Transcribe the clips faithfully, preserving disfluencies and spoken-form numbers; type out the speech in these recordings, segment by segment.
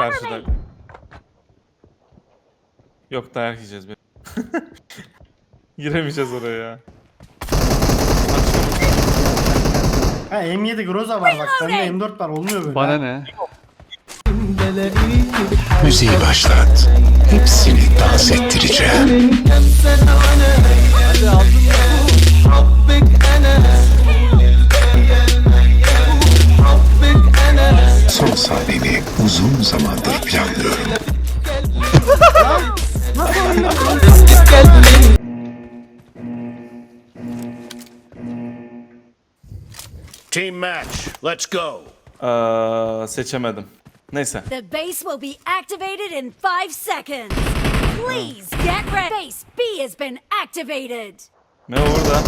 karşıda. Yok, dayak yiyeceğiz. Giremeyeceğiz oraya ya. Ha M yedi Groza var bak. Bende M dört var. Olmuyor böyle. Bana ha. ne? Müziği başlat. Hepsini dans ettireceğim. Son sahneni uzun zamandır planlıyorum. Team match, let's go. Ee, seçemedim. Neyse. The base will be activated in five seconds. Please get ready. Base B has been activated. Ne orada?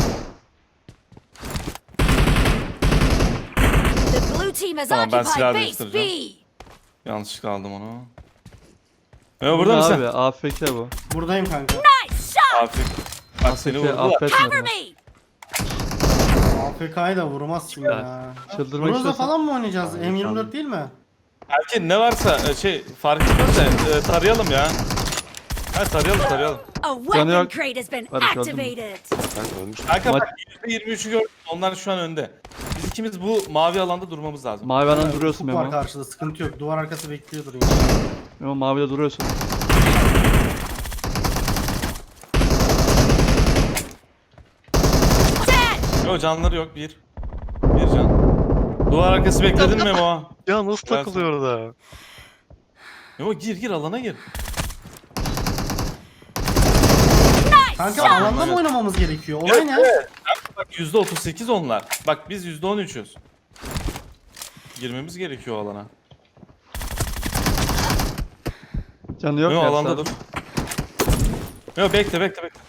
The blue team has Tamam, ben silah occupied base B. değiştireceğim. Yanlışlıkla aldım onu. Ne burada Bu ne mısın? abi? A F K bu. Buradayım kanka. Nice shot. Afiyet. Bak seni A F K vurdular. Cover affetmedi. me. A F K'yı da vurmaz şimdi ya. Çıldırmak Groza istiyorsan. falan mı oynayacağız? M yirmi dört değil mi? Belki ne varsa e, şey fark etmez de e, tarayalım ya. Ha, tarayalım tarayalım. A Canı weapon yok. crate has been Barış, öldün mü? activated. Kanka Maç- bak yüzde yirmi üçü gördüm. Onlar şu an önde. Biz ikimiz bu mavi alanda durmamız lazım. Mavi alan duruyorsun Ufuk var Memo. karşıda. Sıkıntı yok. Duvar arkası bekliyordur yine. Memo mavide duruyorsun. Dead. Yok, canları yok. Bir. Bir can. Duvar arkası bekledin mi Memo? Ya nasıl Ben- takılıyor orada? Memo gir gir alana gir. Kanka alanda mı oynamamız gerekiyor? Olay ne? Evet. Kanka bak yüzde otuz sekiz onlar. Bak biz yüzde on üçüz. Girmemiz gerekiyor o alana. Canı yok Memo ya. alanda dur. Memo bekle bekle bekle.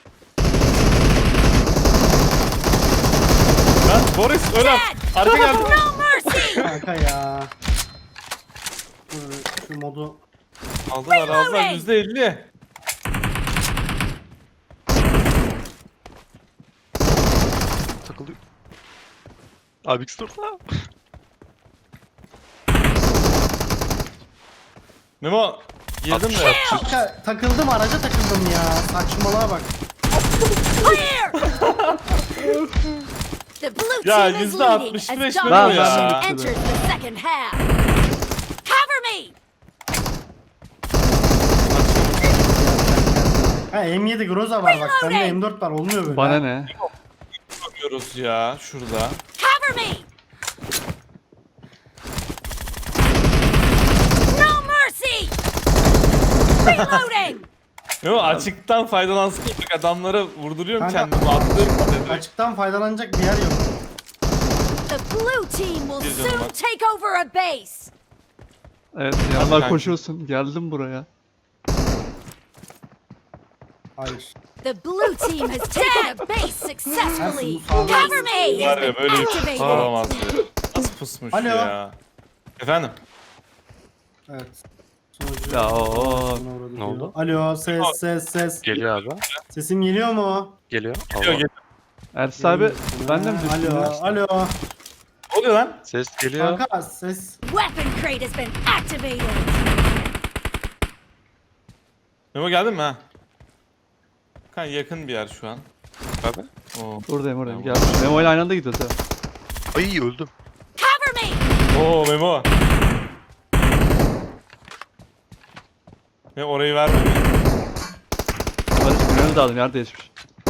Lan Boris öyle. Arka geldi. No mercy. Kanka ya. Dur, şu modu. Aldılar aldılar yüzde elli. Takılıyor. Abi ikisi orada. Memo girdim de. Kanka takıldım araca takıldım ya. Saçmalığa bak. Clear. The blue Ya, team is yüzde leading altmış as beş Memo ya. domination enters the second half. Cover me. Ha M yedi Groza var bak. Bende Reloading. M dört var. Olmuyor böyle. Bana ha. ne? Bakıyoruz ya şurada. Cover me. No mercy. Reloading. Memo açıktan faydalansın. Bak adamlara vurduruyorum Kanka- kendimi. Atlıyorum. Açıktan faydalanacak bir yer yok. The blue team will Bir canım soon var. take over a base. Evet yanlar kanka. koşuyorsun. Geldim buraya. Hayır. The blue team has taken a base successfully. Nasıl? Cover me. Var Has ya been böyle bir şey activated. olamaz ya. Nasıl pusmuş Alo. ya. Efendim? Evet. Sonucu- Ya o. Buna uğradı Ne diyor. oldu? Alo ses ses ses. Geliyor abi. Sesim geliyor mu? Geliyor. Geliyor, Allah. geliyor. Ersin abi ben de mi Ha, düştüm? Alo ya? alo. Ne oluyor lan? Ses geliyor. Kanka ses. Weapon crate has been activated. Memo geldin mi ha? Kan yakın bir yer şu an. Abi. Oo. Buradayım buradayım. Gel. Memo ile aynı anda gidiyoruz ha. Ay öldüm. Cover me. Oo Memo. Ve orayı vermedi. Barış gününü de aldım. Yer değişmiş.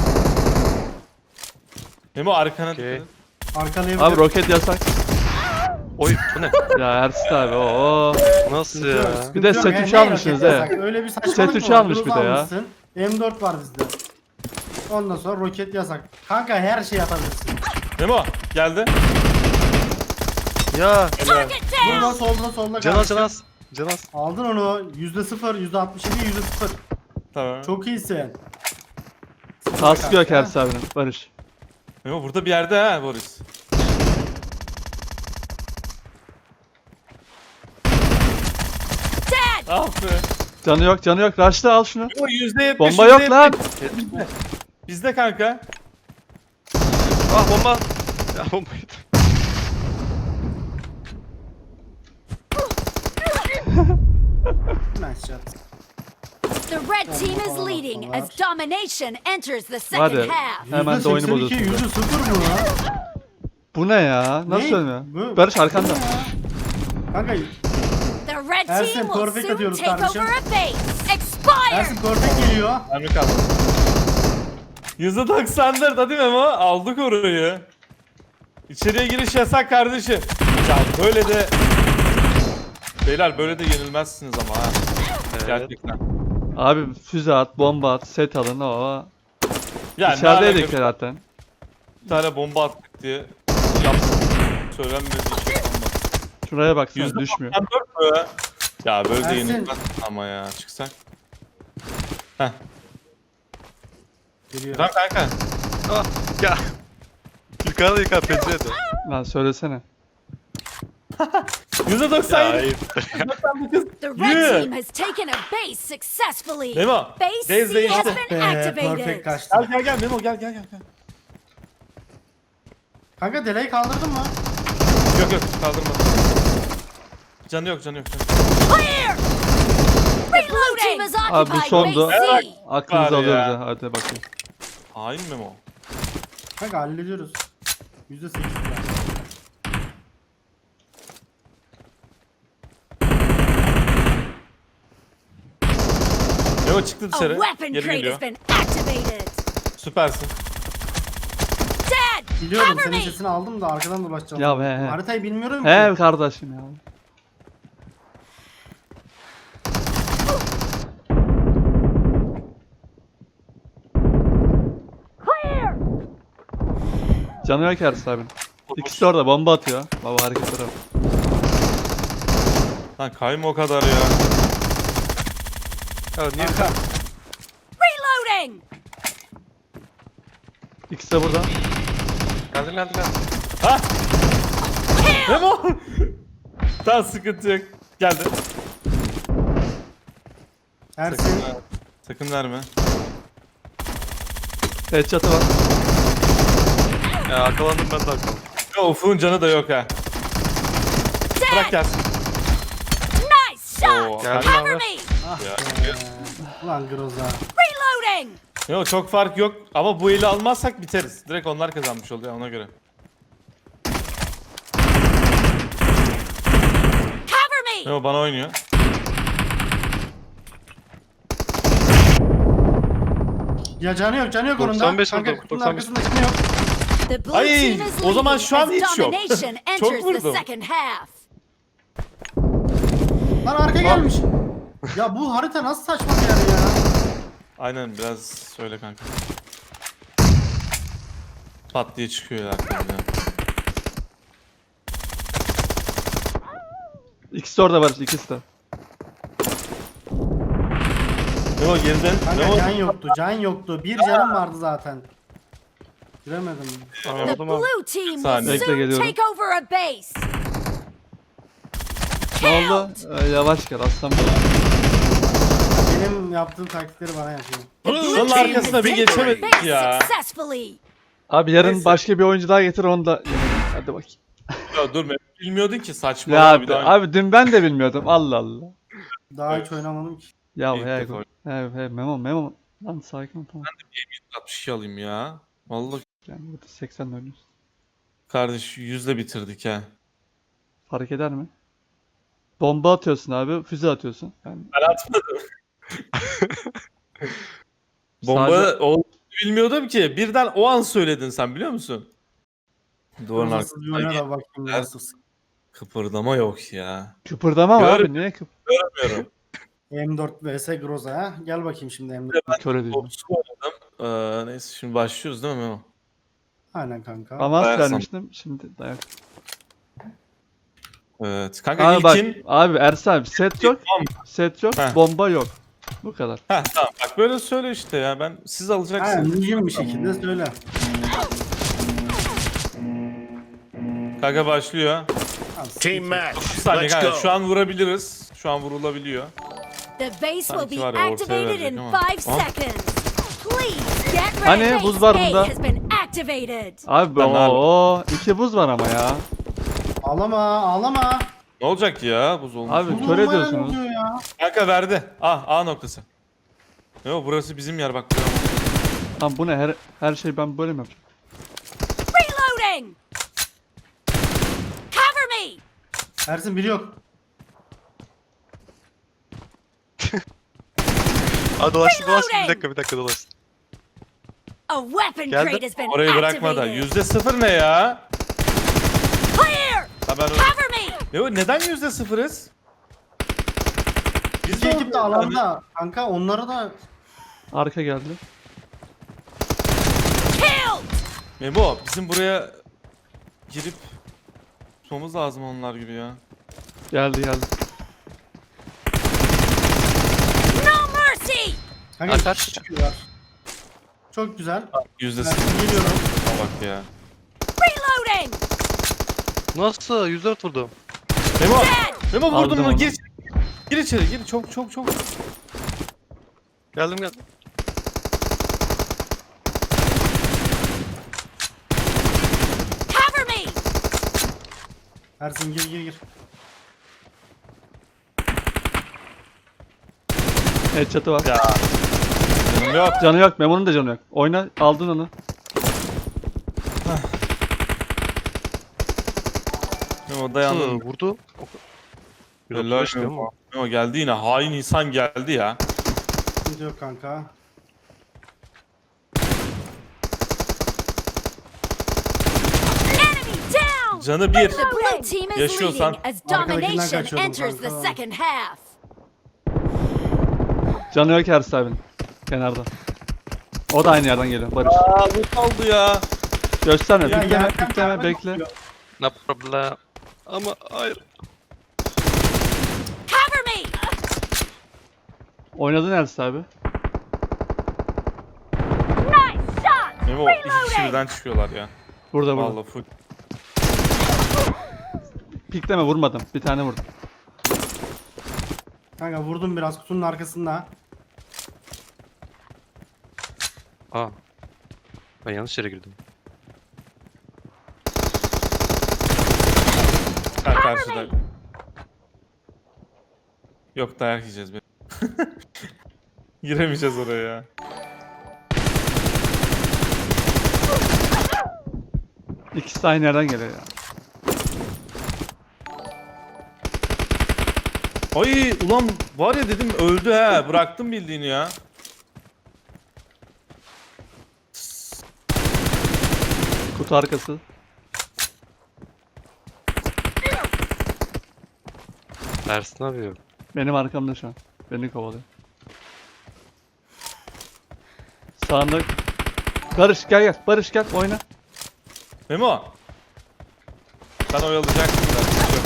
Memo arkana Okey. dikkat et. Arkalayabilir. Abi roket yasak. Oy bu ne? Ya Ersin abi o. Nasıl ya? Bir de set üç almışsınız he. Öyle bir saçmalık Set mı üç var? almış Groza bir de ya. almışsın. M dört var bizde. Ondan sonra roket yasak. Kanka her şey yapabilirsin. Memo geldi. Ya. Target Burada down. solda solda Canaz kardeşim. canaz. Canaz. Aldın onu. Yüzde sıfır, yüzde altmış yedi, yüzde sıfır. Tamam. Çok iyisin. Kaskı yok Ersin abinin. Barış. Memo burada bir yerde ha Boris. Dead. Ah be. Canı yok canı yok. Rush'ta al şunu. Memo yüzde yetmiş. Bomba yok lan. Bizde. Bizde kanka. Ah bomba. Ya bombaydı. Nice shot. The red team is Bomba leading falan as domination enters the second Hadi. half. Hemen de oyunu yüzde seksen iki, bozuyorsun. yüzde sıfır mı lan? Bu ne ya? Nasıl Ne? ölmüyor? Bu- Barış arkanda. Kanka The red Ersin, team will perfect soon atıyoruz take kardeşim. over a base. Expire! Ersin perfect geliyor. Mermi kaldı. yüzde doksan dört hadi Memo. Aldık orayı. İçeriye giriş yasak kardeşim. Ya böyle de... Beyler böyle de yenilmezsiniz ama ha. Evet. Gerçekten. Abi füze at, bomba at, set alın o. Yani İçerideydik ne alaka, zaten. bir tane bomba attık diye yapsın. Söylenmedi şey olmaz. Şuraya baksana yüzde düşmüyor. doksan dört mü? Ya böyle de Ersin. yenilmez ama ya çıksak. Heh. Geliyor. Tamam kanka. Ah, ya. Yukarıda yukarı pencerede. Lan söylesene. yüzde doksan Ya yedi. ayıp. The red Yürü. team has taken a base successfully. Memo, Base base C değişti. has Be, been perfect activated. kaçtı. Gel gel gel Memo gel gel gel. gel. Kanka delay kaldırdın mı? Yok yok kaldırmadım. Canı yok canı yok canı. Clear! The blue team has Abi bu occupied sondu. base C. Aklınızı Var alıyoruz ya. ha. Hadi bakayım. Hain Memo. Kanka hallediyoruz. yüzde sekiz. Memo çıktı A dışarı. weapon Geri crate geliyor. has been activated. Süpersin. Dead! Biliyorum Cover senin me! sesini aldım da arkadan dolaşacağım. Ya be, he. Haritayı bilmiyorum ki. He kardeşim ya. Clear! Canı yok Ersin abinin. İkisi de orada bomba atıyor. Baba hareketlere bak. Lan kayma o kadar ya. Ya niye Kanka. Reloading! İkisi de burada. geldin geldin geldin. Ha Kill! Memo. Tamam sıkıntı yok. Geldi. Ersin. Sakın verme. Headshot'ı var. Ya arkalandım ben de arkalandım. Ya Ufuk'un canı da yok ha. Bırak Dead! gelsin. Nice Oo, shot! geldi Cover abi. me! Ya. Ulan Groza. Reloading! Yok çok fark yok ama bu eli almazsak biteriz. Direkt onlar kazanmış oluyor ona göre. Cover me! Memo bana oynuyor. Ya canı yok canı yok onun da. doksan beş Kanka vurdum, kutunun doksan beş. arkasında kim yok? The blue Ay, team is o zaman leading şu an as hiç yok. domination Çok enters the vurdum. second half. Lan arka gelmiş. Ya bu harita nasıl saçma bir yer ya? Aynen biraz söyle kanka. Pat diye çıkıyor arkamda. İkisi de orada var. İkisi de. Memo geriden. Kanka Memo. can yoktu can yoktu. Bir canım vardı zaten. Giremedim. The Anladım abi. blue team will Saniye. Bekle, soon geliyorum. take over a base. Ne oldu? Ee, yavaş gel aslan benim. Benim yaptığım taktikleri bana yapıyor. The blue Şunun team arkasına has bir taken geçemedik base ya. successfully. Abi yarın Neyse. başka bir oyuncu daha getir onu da. Hadi bakayım. Ya dur Memo bilmiyordun ki saçma. Ya bir daha. abi dün ben de bilmiyordum. Allah Allah. Daha Evet. hiç oynamadım ki. Ya İlk he, defa. he, he, memo memo. Lan sakin ol tamam. altmış iki alayım ya. Vallahi Yani burada seksen oynuyoruz. kardeş yüzle bitirdik ha. Fark eder mi? Bomba atıyorsun abi, füze atıyorsun. Yani Ben atmadım. Bomba Sadece- olduğunu bilmiyordum ki. Birden o an söyledin sen biliyor musun? Duvarın Nasıl bir oyuna arkasında da bakayım Evet. nasıl. kıpırdama yok ya. kıpırdama var Gör- abi niye kıp? Görmüyorum. M dört vs Groza ha. Gel bakayım şimdi M dört. Kör ediyorum. Topsu oynadım. Ee, neyse şimdi başlıyoruz değil mi Memo? Aynen kanka. Avans Dayak vermiştim şimdi dayak. Evet. Kanka Abi bak ilkin... abi Ersan abi set yok. Tamam. Set yok, Heh. bomba yok. Bu kadar. Heh, tamam bak böyle söyle işte ya. Ben siz Aynen alacaksınız. düzgün bir şekilde söyle. Kanka başlıyor. Tamam, Team match. Bir saniye Let's kanka. go. Şu an vurabiliriz. Şu an vurulabiliyor. The base will Sanki be var ya, ortaya activated verecek in ama. five Aha. seconds. Please get ready. Hani Base buz var A bunda. has been activated. Abi Ben o iki buz var ama ya. Ağlama ağlama. Ne olacak ki ya buz olmuş. Abi Bu kör olmaya ediyorsunuz. ne oluyor ya? Kanka verdi. Ah A noktası. Yo burası bizim yer bak. buraya. Lan bu ne? Her, her şey ben böyle mi yapacağım? Reloading! Cover me! Ersin biri yok. Aa dolaştı dolaştı. Bir Reloading. dakika bir dakika dolaştı. A weapon Geldi. crate has been Orayı bırakma da. activated. Yüzde sıfır ne ya? Clear! Ha ben öyle... Cover me! Yo neden yüzde sıfırız? İki ekip de alanda. Kanka onları da Arka geldi. Killed! Memo bizim buraya girip tutmamız lazım onlar gibi ya. Geldi geldi. No mercy! kanka Atar. iki kişi çıkıyorlar. Çok güzel. Yüzde Ben sıfır geliyorum. bak ya. Reloading! Nasıl? yüz dört vurdum. Memo! Dead! Memo vurdum Aldım onu. onu. Gir, gir içeri gir. Çok çok çok. Geldim geldim. Cover me! Ersin gir gir gir. Headshot'ı var. Ya. Canım yok. Canı yok. Memo'nun da canı yok. Oyna. Aldın onu. Memo Nasıl dayandım. vurdu? Helal yüz otuz beş Memo. Memo geldi yine. Hain insan geldi ya. Sıkıntı yok kanka. Enemy down! Canı bir. The blue team is Yaşıyorsan- leading as Arkadakinden domination kaçıyordum enters the kanka. second half. Canı yok Ersin abinin. Kenarda. O da aynı yerden geliyor. Barış. Aa bu kaldı ya. Gösterme. Ya Pikleme. yerden Pikleme. yerden Bekle. bakıyor. No problem. Ama hayır. Cover me! Oynadın Ersin abi. Nice shot! Memo iki kişi Reloading! birden çıkıyorlar ya. Burada burada. Vallahi full. Pikleme vurmadım. Bir tane vurdum. Kanka vurdum biraz kutunun arkasında. Aa. Ben yanlış yere girdim. Ha karşıda. Yok dayak yiyeceğiz. be. Giremeyeceğiz oraya ya. İkisi de aynı yerden geliyor ya. Ay ulan var ya dedim öldü he. Bıraktım bildiğini ya. Kutu arkası. Ersin abi yok. Benim arkamda şu an. Beni kovalıyor. Sağında. Barış gel gel. Barış gel oyna. Memo. Sen oyalayacaksın biraz. Yok.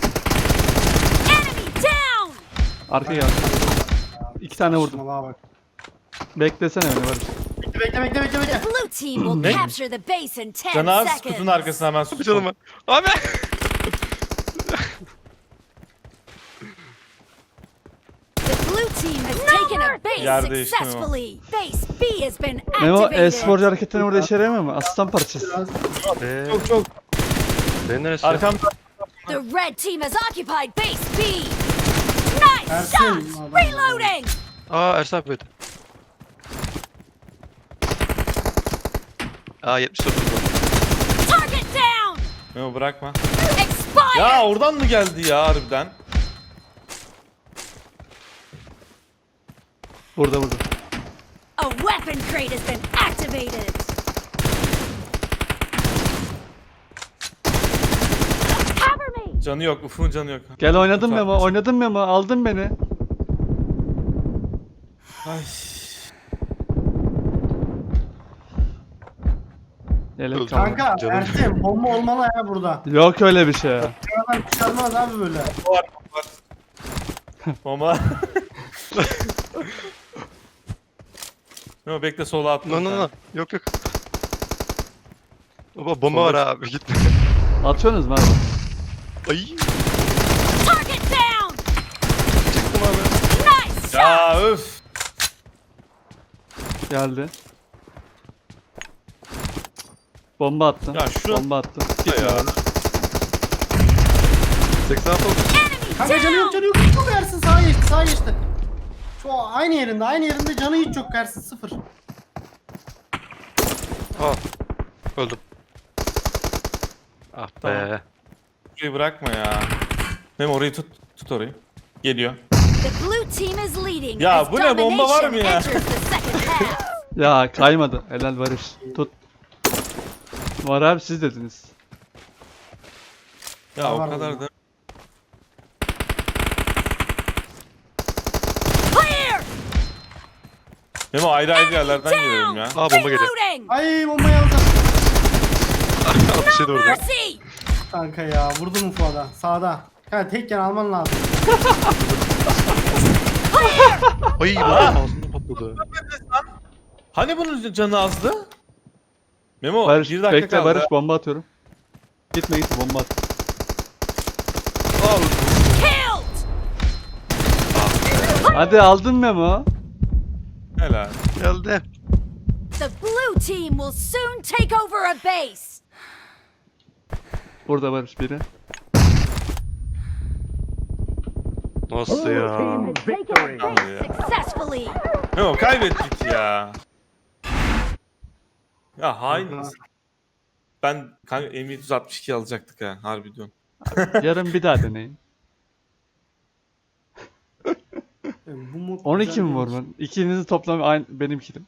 Enemy down! Arka gel. İki tane vurdum. Saçmalığa bak. Beklesene beni Barış. Bekle bekle bekle bekle bekle. Blue team will Ne? capture the base in ten Canaz seconds. kutunun arkasına hemen sus. Canım ben. Abi. The blue team has taken a base Yer değişti Memo. successfully. Base B has been Memo activated. e-sporcu hareketlerini burada işe yaramıyor mu? Aslan parçası. Biraz Be. Çok çok. Ben neresi? Arkamda. The red team has occupied base B. Nice Ersin, shot! adam- Reloading! Aa Ersin abi böyle. Aa yetmiş dört vurdum. Target down! Memo bırakma. Expired! Ya oradan mı geldi ya harbiden? Burada burada. A weapon crate has been activated. Cover me! Canı yok. Ufuk'un canı yok. Gel oynadın Kutu Memo. arkası. Oynadın Memo. Aldın beni. Ay. Yelek Öldü. kaldı. kanka Canım. Ersin bomba olmalı ya burada. Yok öyle bir şey ya. Aradan çıkarmaz abi böyle. Var var. Bomba. Memo bekle sola atma. No no no. Yok yok. Baba bomba var abi gitme. Atıyorsunuz mu abi? Ay. Target down! Çıktım abi. Nice shot! Ya öf. Geldi. Bomba attım. Ya şu- Bomba attım. Ya. seksen altı oldu. Kanka canı yok canı yok. Çok Ersin sağa geçti sağa geçti. Şu aynı yerinde aynı yerinde canı hiç yok Ersin sıfır. Aa. Öldüm. Ah be. Tamam. Şurayı bırakma ya. Memo orayı tut. Tut orayı. Geliyor. The blue team is leading. Ya as bu ne, bomba var mı domination ya? enters the second half. Ya kaymadı. Helal Barış. Tut. Var abi siz dediniz. Ya o Var kadar mı? da. Clear. Memo ayrı ayrı yerlerden geliyorum ya. Aa bomba geliyor. Reloading. Ay bombayı aldım. Bir şey de vurdu. Mercy. Kanka ya vurdum Fuat'a sağda. Kanka tekken alman lazım. Ay bomba ağzımda patladı. Hani bunun canı azdı? Memo Barış bir dakika bekle kaldı. Barış bomba atıyorum. Gitme gitme bomba at. Al. Killed. Hadi aldın Memo. Helal. Geldi. The blue team will soon take over a base. Burada Barış biri. Nasıl ya? Taken a base successfully. Memo kaybettik ya. Ya hain misin? Ben kanka M yedi yüz altmış iki alacaktık ha harbi diyorum. Yarın bir daha deneyin. E, Bu mod on iki güzel mi var değilmiş. ben? İkinizi toplam aynı benim kilim.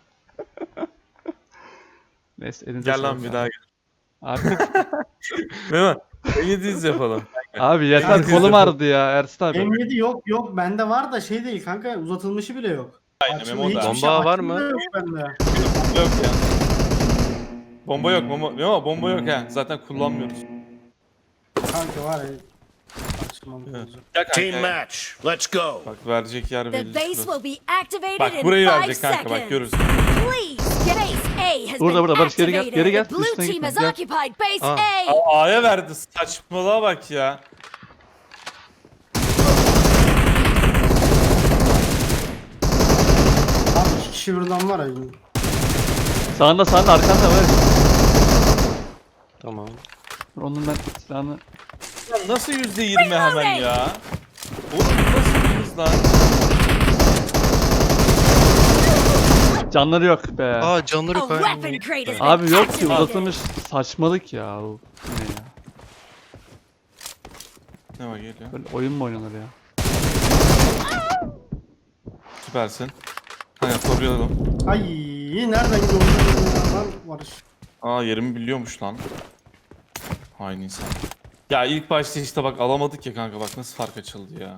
Neyse elinize Gel lan sağlık bir abi. daha gel. Abi, Memo M yedi yüz yapalım. abi yeter Elinize kolum sağlık. ağrıdı ya Ersin abi. M yedi yok yok bende var da şey değil kanka uzatılmışı bile yok. Aynen Açılı Memo da. hiçbir şey- Bomba var açılı mı? da yok bende. Bomba yok ya. Bomba yok Memo. Memo bomba yok ha. Zaten kullanmıyoruz. Kanka var ya. Açılmam Evet. lazım. Gel kanka. Team ya. match. Let's go. Bak verecek yer The belli. base şurası. will be activated Bak in burayı five verecek kanka bak seconds. görürsün. Please get ace A has Burada, been burada, Barış, geri gel, activated. geri gel. The blue Üstüne team gitme, has gel. occupied base Aa. A. Aa, A'ya verdi. Saçmalığa bak ya. Abi iki kişi birden var ya. Sağında sağında arkanda var. Tamam. Dur, onun ben silahını... Ya nasıl yüzde yirmi hemen ya? Oğlum nasıl bir hız lan? Canları yok be. Aa canları A yok. weapon Ay. crate has been Abi yok ki activated. uzatılmış saçmalık ya. Bu ne ya? Ne var geliyor? Böyle oyun mu oynanır ya? Süpersin. Kanka koruyalım. Ay nereden gidiyor ya lan Barış. Aa yerimi biliyormuş lan. Hain insan. Ya ilk başta işte bak alamadık ya kanka bak nasıl fark açıldı ya.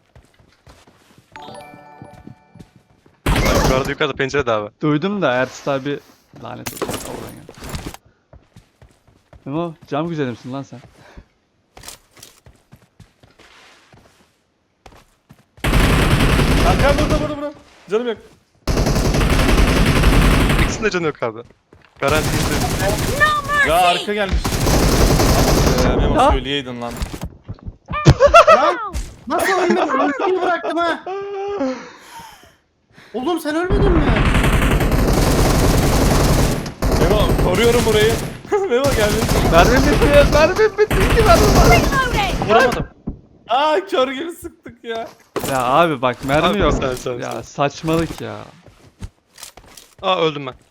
Yukarıda yukarıda pencerede abi. Duydum da Ertuğrul abi lanet olsun. Oradan geldi. Memo cam güzeli misin lan sen? Kanka burada burada burada. Canım yok. İkisinde canı yok abi. Garanti izledim. Ya arka gelmiş. Ee, Memo Ya. söyleyeydin lan. Lan nasıl ölmedin? Ultiyi bıraktım ha. Oğlum sen ölmedin mi? Memo koruyorum burayı. Memo gelmiş. Mermim bitti, mermim bitti. İki mermim var. Reloading. Vuramadım. Aa kör gibi sıktık ya. Ya abi bak mermi Abi yok. sen, sen, ya sen. saçmalık ya. Aa öldüm ben.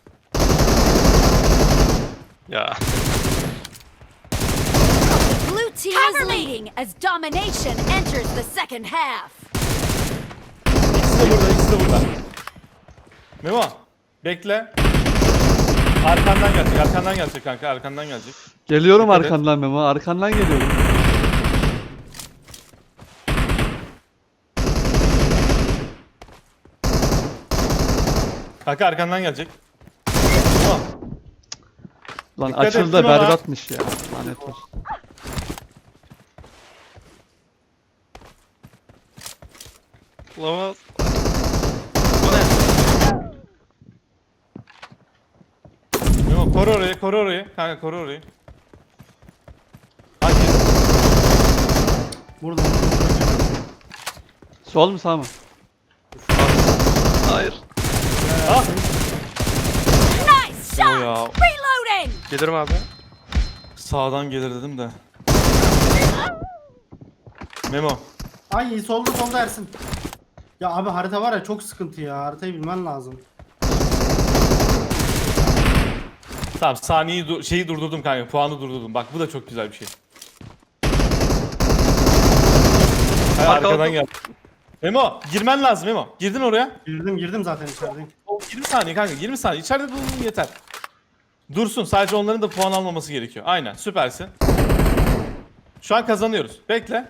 Ya. Blue team is leading as domination enters the second half. İkisi de burada, ikisi de burada. Memo, bekle. Arkandan gelecek, arkandan gelecek kanka, arkandan gelecek. Geliyorum Dikkat et. arkandan Memo, arkandan geliyorum. Kanka arkandan gelecek. Memo, Lan Dikkat açıldı da ettim ama. berbatmış ya. Lanet olsun. Olamaz. Memo koru orayı, koru orayı. Kanka koru orayı. Hadi. Burada. Sol mu sağ mı? Hayır. Ah, Nice Memo shot. ya. Reloading. Gelirim abi. Sağdan gelir dedim de. Memo. Ay solda solda Ersin. Ya abi harita var ya çok sıkıntı ya. Haritayı bilmen lazım. Tamam saniyeyi du- şeyi durdurdum kanka. Puanı durdurdum. Bak bu da çok güzel bir şey. Hay, Arka arkadan aldım. gel. Memo girmen lazım Memo. Girdin oraya. Girdim girdim zaten içerideyim. O yirmi saniye kanka yirmi saniye. İçeride durun yeter. Dursun sadece onların da puan almaması gerekiyor. Aynen süpersin. Şu an kazanıyoruz. Bekle.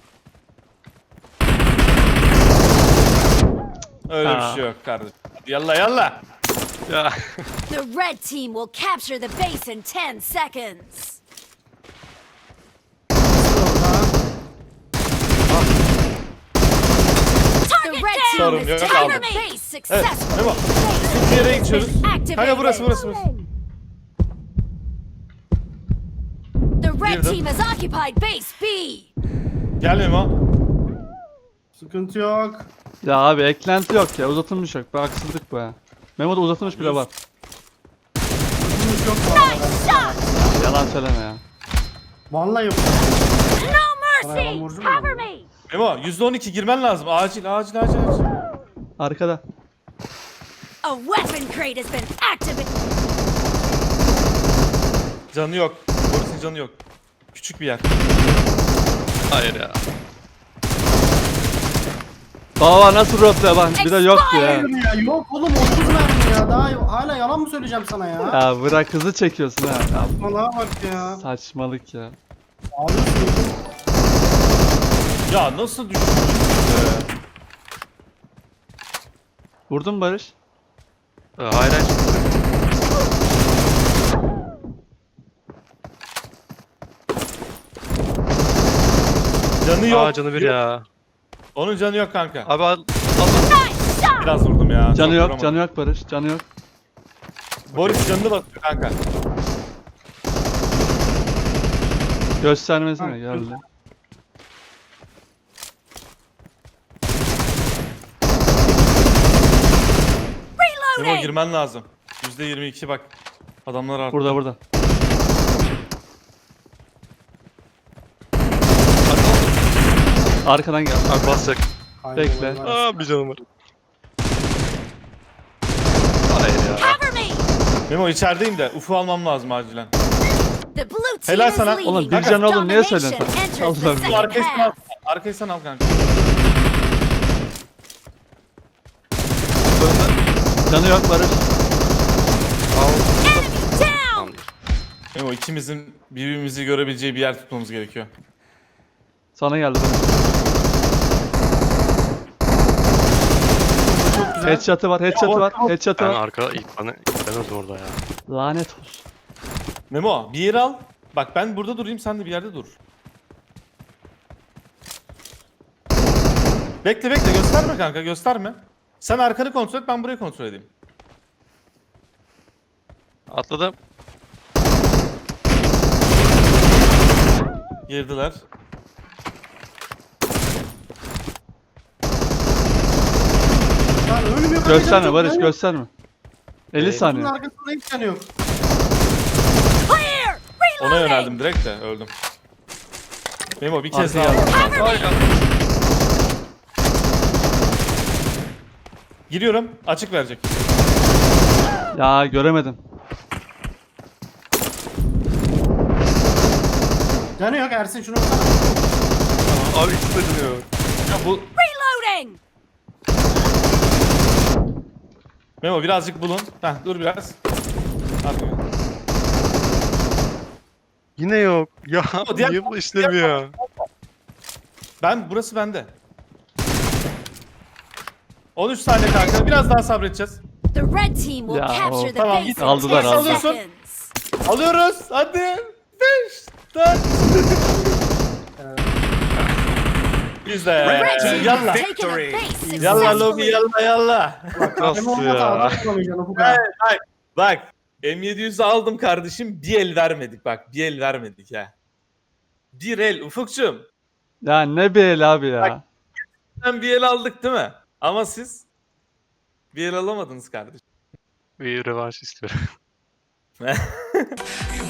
Öyle Aa. bir şey yok kardeşim. Hadi yalla yalla. Ya. The red team will capture the base in ten seconds. The red team Sorun has yok, taken aldım. the base Evet successfully. Memo. Bir yere geçiyoruz. Kanka burası burası burası. The red Girdim. team has occupied base B. Gel Memo. Sıkıntı yok. Ya abi eklenti yok ya. Uzatılmış yok. Bu haksızlık bu ya. Memo'da uzatılmış bile var. Sıkıntı yok bu arada. Shot! Yalan söyleme ya. Vallahi yok. No Bana yalan mercy! borcum mu Cover var? me! Memo yüzde on iki girmen lazım. Acil acil acil acil. Arkada. A weapon crate has been activated. Canı yok. Boris'in canı yok. Küçük bir yer. Hayır ya. Baba nasıl röple bak. Bir de yoktu ya. Hayır ya yok oğlum otuz mermi ya. Daha yok. Hala yalan mı söyleyeceğim sana ya? Ya bırak hızı çekiyorsun ha. Ya, Saçmalığa bak ya. saçmalık ya. Abi sıkıntı. Ya nasıl düştün? Vurdun mu Barış? Ee, Hayır hayır. Canı yok. Aa canı bir ya. Onun canı yok kanka. Abi al. al. Biraz vurdum ya. Canı çok yok, vuramadım. canı yok Barış. Canı yok. Boris canını basıyor kanka. Göstermesine geldi. Memo Reloading! girmen lazım. yüzde yirmi iki bak. Adamlar arttı. Burada burada. Arkadan gel. Abi basacak. Bekle. Aa bir canım var. Hayır ya. Cover me! Memo içerideyim de ufu almam lazım acilen. The blue team Helal is sana. leading. Oğlum, bir can oğlum, niye söylüyorsun sen? Domination enters Allah'ım. the Bu second arkayı sen al. half. Arkayı sen al kanka. Canı yok Barış. Enemy down! Tamamdır. Memo ikimizin birbirimizi görebileceği bir yer tutmamız gerekiyor. Sana geldi Barış. Çok güzel. Headshot'ı var, headshot'ı var, headshot'ı Ben var. arka ilk bana ilk ben öldüm orada ya. Lanet olsun. Memo bir yere al. Bak ben burada durayım sen de bir yerde dur. Bekle bekle gösterme kanka gösterme. Sen arkanı kontrol et ben burayı kontrol edeyim. Atladım. Girdiler. Lan ölüm yok. Gösterme Çok Barış, canı yok. gösterme. elli Ee, saniye. Bunun arkasında hiç canı yok. Clear! Ona Reloading! yöneldim direkt de öldüm. Memo bir kez daha Arkaya al. Cover me! Giriyorum açık verecek. Ya göremedim. Canı yok Ersin şunu vursana. Abi ikisi de dönüyor. Ya bu Reloading! Memo birazcık bulun. Heh dur biraz. Hadi. Yine yok. Ya diğer- niye bu işlemiyor? Ben burası bende. on üç saniye kanka biraz daha sabredeceğiz. The red team will Ya, capture the tamam, base git. in Aldılar, ten aldılar. seconds. Alıyoruz hadi. beş dört Biz de Red team yalla. has taken a base Yalla lobi successfully. yalla yalla. Nasıl ya? Bak, bak, bak. M yedi yüz'ü aldım kardeşim. Bir el vermedik bak. Bir el vermedik ha. Bir el Ufukçum. Ya ne bir el abi ya. Sen bir el aldık değil mi? Ama siz bir el alamadınız kardeşim. Bir revanş istiyorum.